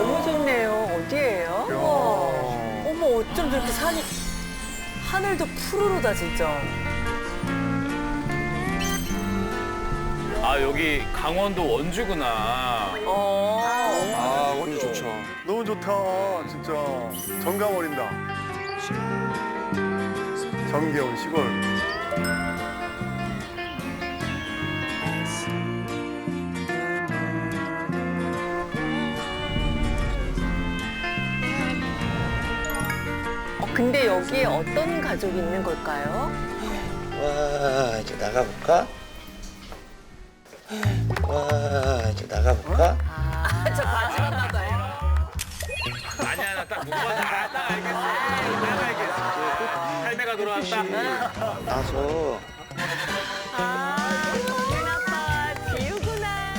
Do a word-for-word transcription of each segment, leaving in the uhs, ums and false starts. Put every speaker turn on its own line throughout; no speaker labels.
너무 좋네요. 어디예요?
어머, 어머 어쩜 저렇게 산이 하늘도 푸르르다 진짜.
아 여기 강원도 원주구나.
어.
아, 원주 좋죠.
너무 좋다, 진짜. 정감 어린다. 정겨운 시골.
어, 근데 여기에 어떤 가족이 있는 걸까요?
와, 이제 나가볼까? 와, 이제 나가볼까?
저 바지만 나봐요.
아니야 나 딱 누가 딱 알겠어. 내가 알겠어. 할매가 돌아왔다.
나서
아, 아빠 지우구나.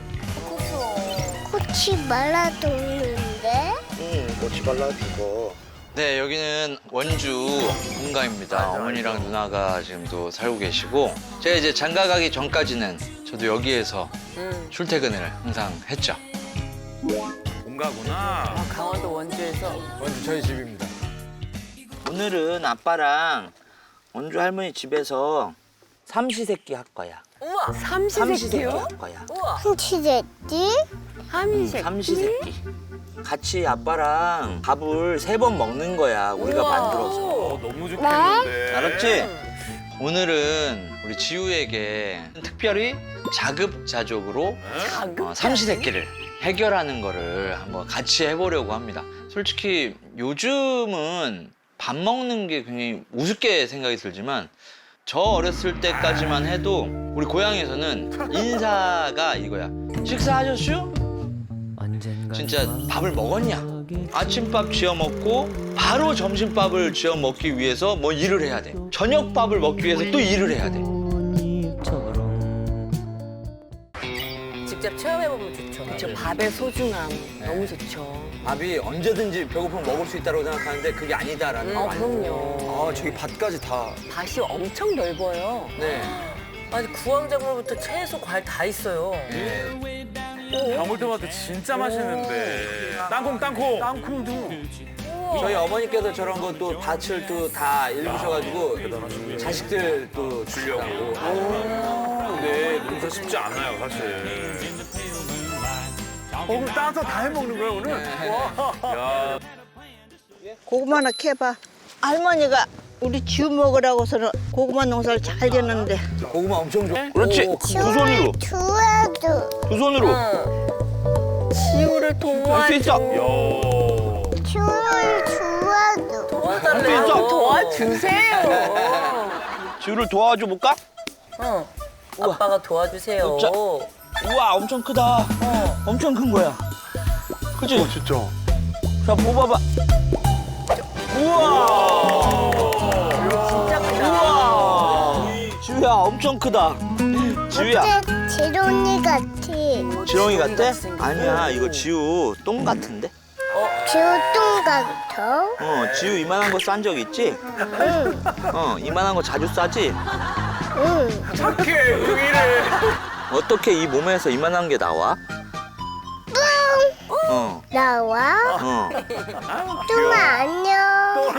꽃이 말라도는데?
응, 꽃이 발라주고. 네, 여기는 원주 본가입니다. 어머니랑 누나가 지금도 살고 계시고 제가 이제 장가 가기 전까지는 저도 여기에서
음.
출퇴근을 항상 했죠.
본가구나.
아, 강원도 원주에서.
원주 저희 집입니다.
오늘은 아빠랑 원주 할머니 집에서 삼시세끼 할 거야.
우와.
삼시세끼요?
할 거야.
우와.
한치됐지?
삼시세끼?
삼시세끼. 같이 아빠랑 밥을 세 번 먹는 거야. 우리가
우와.
만들어서.
어, 너무 좋겠는데.
알았지? 오늘은 우리 지우에게 특별히 자급자족으로
응?
어, 삼시세끼를 해결하는 거를 한번 같이 해보려고 합니다. 솔직히 요즘은 밥 먹는 게 굉장히 우습게 생각이 들지만 저 어렸을 때까지만 해도 우리 고향에서는 인사가 이거야. 식사하셨슈? 진짜 밥을 먹었냐? 아침밥 지어 먹고 바로 점심밥을 지어 먹기 위해서 뭐 일을 해야 돼. 저녁밥을 먹기 위해서 또 일을 해야 돼.
직접 체험해보면 좋죠.
저 밥의 소중함 너무 좋죠.
밥이 언제든지 배고프면 먹을 수 있다고 생각하는데 그게 아니다라는
음,
거.
아, 그럼요.
아, 저기 밭까지 다.
밭이 엄청 넓어요.
네.
아니 구황작물부터 채소, 과일 다 있어요.
네.
방울토마토 진짜 맛있는데. 땅콩 땅콩.
땅콩도.
저희 어머니께서 저런 것도 밭을 또 다 일구셔가지고 자식들 또 주려고.
근데 농사 쉽지 않아요 사실.
어, 그럼 따서 다 해먹는 거야, 오늘?
야.
고구마 하나 캐봐. 할머니가 우리 지우 먹으라고서는 고구마 농사를 잘 지었는데.
고구마 엄청 좋아.
그렇지.
오,
두 손으로.
좋아도.
두 손으로.
지우를
할 수
도와줘.
있어.
야.
좋아요, 좋아도.
도와달래요.
있어.
도와주세요.
지우를 도와줘 볼까?
어. 아빠가 도와주세요.
자. 우와, 엄청 크다.
어.
엄청 큰 거야. 그치?
어, 진짜.
자, 뽑아봐. 우와.
진짜 크다.
우와. 지우야, 엄청 크다. 지우야.
어때? 지론이 같이.
지렁이 같아? 아니야, 이거 지우 똥 같은데?
지우똥 같아?
어, 지우 이만한 거 싼 적 있지?
응,
어, 이만한 거 자주 싸지?
응.
착해 응이래.
어떻게 이 몸에서 이만한 게 나와? 어,
나와?
어.
뚱아, 안녕.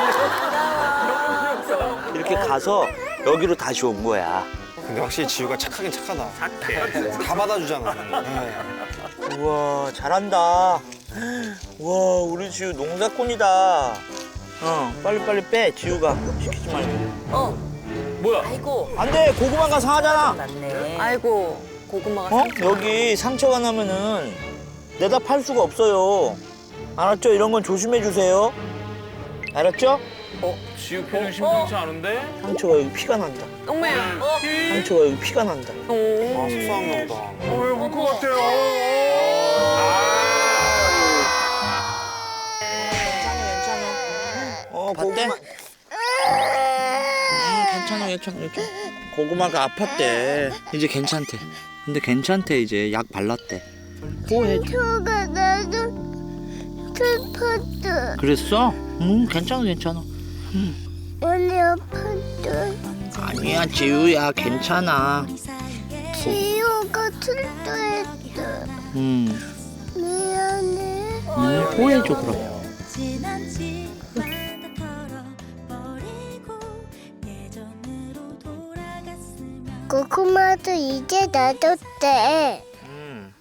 이렇게 가서 여기로 다시 온 거야.
근데 확실히 지우가 착하긴 착하다.
착해.
다 받아주잖아. 네.
우와, 잘한다. 우와, 우리 지우 농사꾼이다. 어, 빨리빨리 빼, 지우가. 시키지 말고.
어.
뭐야?
아이고.
안 돼, 고구마가 상하잖아.
맞네.
아이고 고구마가
어?
상처.
여기 상처가 나면은 내다 팔 수가 없어요. 알았죠? 이런 건 조심해 주세요. 알았죠?
지우 표정 심상치 않은데?
상처가 여기 피가 난다.
엄마야.
상처가 여기 피가 난다.
아, 속상한가 보다.
어, 왜 울 것 같아요?
어, 고구마. 음, 괜찮아, 괜찮아, 괜찮아. 고구마가 아팠대. 이제 괜찮대. 근데 괜찮대, 이제. 약 발랐대. 호해.
저가 나도 슬펐어.
그랬어? 응, 괜찮아, 괜찮아.
많이 아팠어.
아니야, 지우야, 괜찮아.
지우가 슬퍼했어.
음.
미안해.
보여줘 그럼.
고구마도 이제 놔뒀대.